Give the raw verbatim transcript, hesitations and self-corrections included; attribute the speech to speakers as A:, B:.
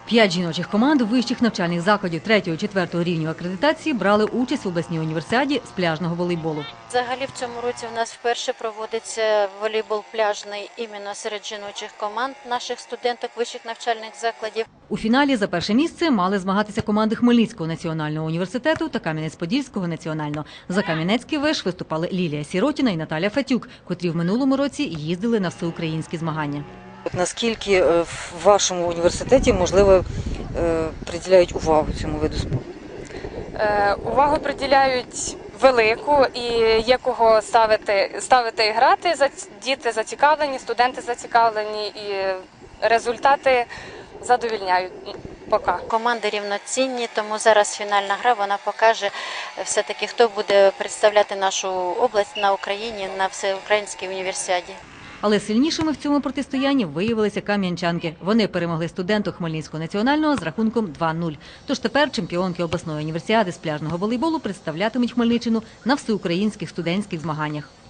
A: П'ять жіночих команд вищих навчальних закладів третього-четвертого рівню акредитації брали участь в обласній універсіаді з пляжного волейболу.
B: Взагалі в цьому році у нас вперше проводиться волейбол пляжний іменно серед жіночих команд наших студенток вищих навчальних закладів.
A: У фіналі за перше місце мали змагатися команди Хмельницького національного університету та Кам'янець-Подільського національного. За Кам'янецький виш виступали Лілія Сіротіна і Наталя Фатюк, котрі в минулому році їздили на всеукраїнські змагання.
C: Наскільки в вашому університеті, можливо, приділяють увагу цьому виду спорту?
D: Увагу приділяють велику і є кого ставити, ставити і грати. Діти зацікавлені, студенти зацікавлені і результати задовільняють поки.
B: Команди рівноцінні, тому зараз фінальна гра, вона покаже все-таки, хто буде представляти нашу область на Україні на всеукраїнській універсіаді.
A: Але сильнішими в цьому протистоянні виявилися кам'янчанки. Вони перемогли студенток Хмельницького національного з рахунком два нуль. Тож тепер чемпіонки обласної універсіади з пляжного волейболу представлятимуть Хмельниччину на всеукраїнських студентських змаганнях.